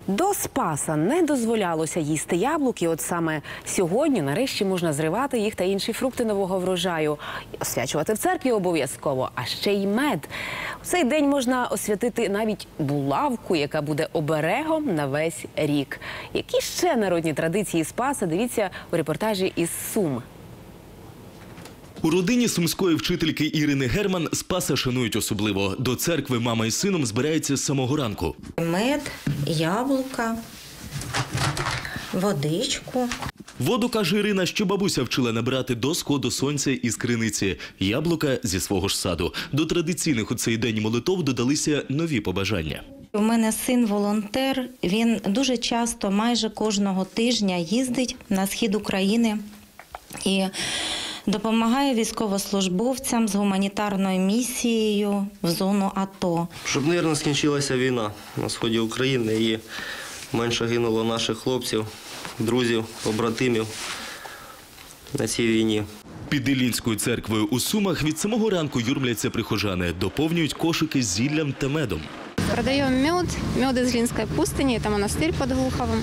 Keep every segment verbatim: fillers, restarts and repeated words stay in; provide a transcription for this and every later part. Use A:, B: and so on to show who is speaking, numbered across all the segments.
A: До Спаса не дозволялося їсти яблуки. От саме сьогодні нарешті можна зривати їх та інші фрукти нового врожаю. Освячувати в церкві обов'язково, а ще й мед. У цей день можна освятити навіть булавку, яка буде оберегом на весь рік. Які ще народні традиції Спаса? Дивіться у репортажі із Сум.
B: У родині сумської вчительки Ірини Герман Спаса шанують особливо. До церкви мама із сином збирається з самого ранку.
C: Мед, яблука, водичку.
B: Воду, каже Ірина, що бабуся вчила набирати до сходу сонця із криниці. Яблука зі свого ж саду. До традиційних у цей день молитов додалися нові побажання.
C: У мене син волонтер, він дуже часто, майже кожного тижня їздить на схід України і допомагає військовослужбовцям з гуманітарною місією в зону АТО.
D: Щоб мирно скінчилася війна на сході України і менше гинуло наших хлопців, друзів, побратимів на цій війні.
B: Під Іллінською церквою у Сумах від самого ранку юрмляться прихожани, доповнюють кошики з зіллям та медом.
E: Продаем мед, мед из Ильинской пустыни, это монастырь под Глуховым.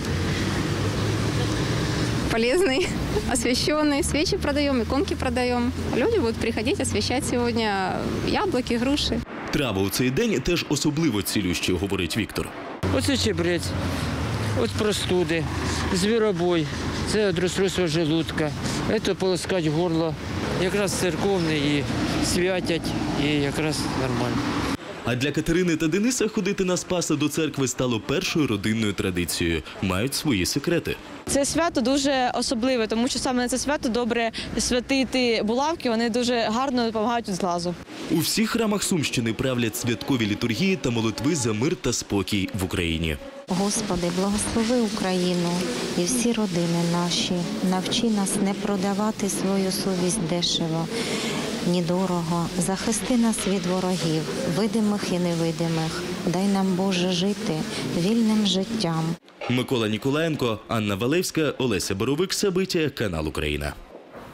E: Полезный, освященный. Свечи продаем, иконки продаем. Люди будут приходить освящать сегодня яблоки, груши.
B: Трави у цей день теж особливо цілющі, говорить Віктор.
F: Оце чебрець, от простуди, звіробой, це від розстройства желудка, це полоскать горло. Якраз церковний і святять, і якраз нормально.
B: А для Катерини та Дениса ходити на Спаса до церкви стало першою родинною традицією. Мають свої секрети.
G: Це свято дуже особливе, тому що саме на це свято добре святити булавки, вони дуже гарно допомагають від зглазу.
B: У всіх храмах Сумщини правлять святкові літургії та молитви за мир та спокій в Україні.
C: Господи, благослови Україну і всі родини наші. Навчи нас не продавати свою совість дешево, ні дорого. Захисти нас від ворогів, видимих і невидимих. Дай нам, Боже, жити вільним життям.
B: Микола Ніколаєнко, Анна Валевська, Олеся Боровик, Сабиття, канал Україна.